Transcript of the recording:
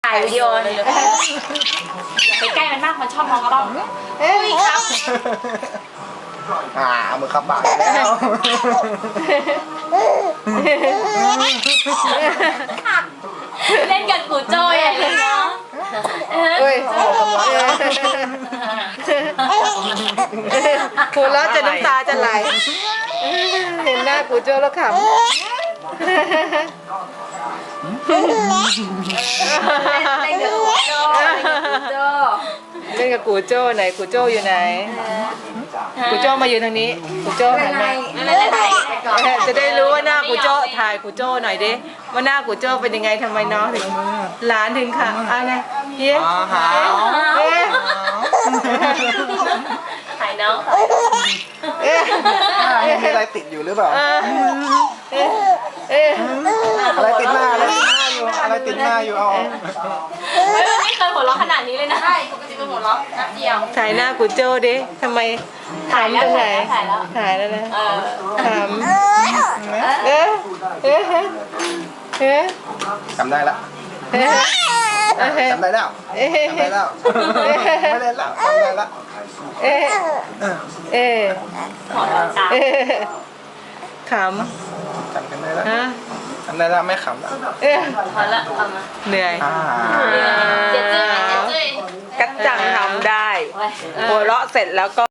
ถ่ายวิดีโอเลยไปใกล้มันมากมันชอบมองกล้องเฮ้ยครับมือขับบ่ายแล้วเล่นกับกูโจ้ใหญ่เลยเนาะเฮ้ยหัวเราะจะน้ำตาจะไหลเห็นหน้ากูโจ้แล้วขำเล่นกับกูโจ้ไหนกูโจ้อยู่ไหนกูโจ้มาอยู่ทางนี้กูโจ้หันมาจะได้รู้ว่าหน้ากูโจ้ถ่ายกูโจ้หน่อยดิว่าหน้ากูโจ้เป็นยังไงทำไมน้องถึงหลานถึงค่ะอะไรเย้ถ่ายน้องมีอะไรติดอยู่หรือเปล่าอะไรติดหน้าอะไรติดหน้าอยู่เอาไม่เคยหัวเราะขนาดนี้เลยนะใช่ปกติเป็นหัวเราะนัดเดียวถ่ายหน้ากูโจ้ดิทำไมถ่ายตรงไหนถ่ายแล้วนะถามจำได้ละจำได้แล้วจำได้แล้วไม่เล่นแล้วจำได้ละหัวเราะตามขำจำกันได้แล้วจำได้แล้วไม่ขำแล้วพอละเอามาเหนื่อยเจ๊เจ๊กัจจังทำได้หัวเราะเสร็จแล้วก็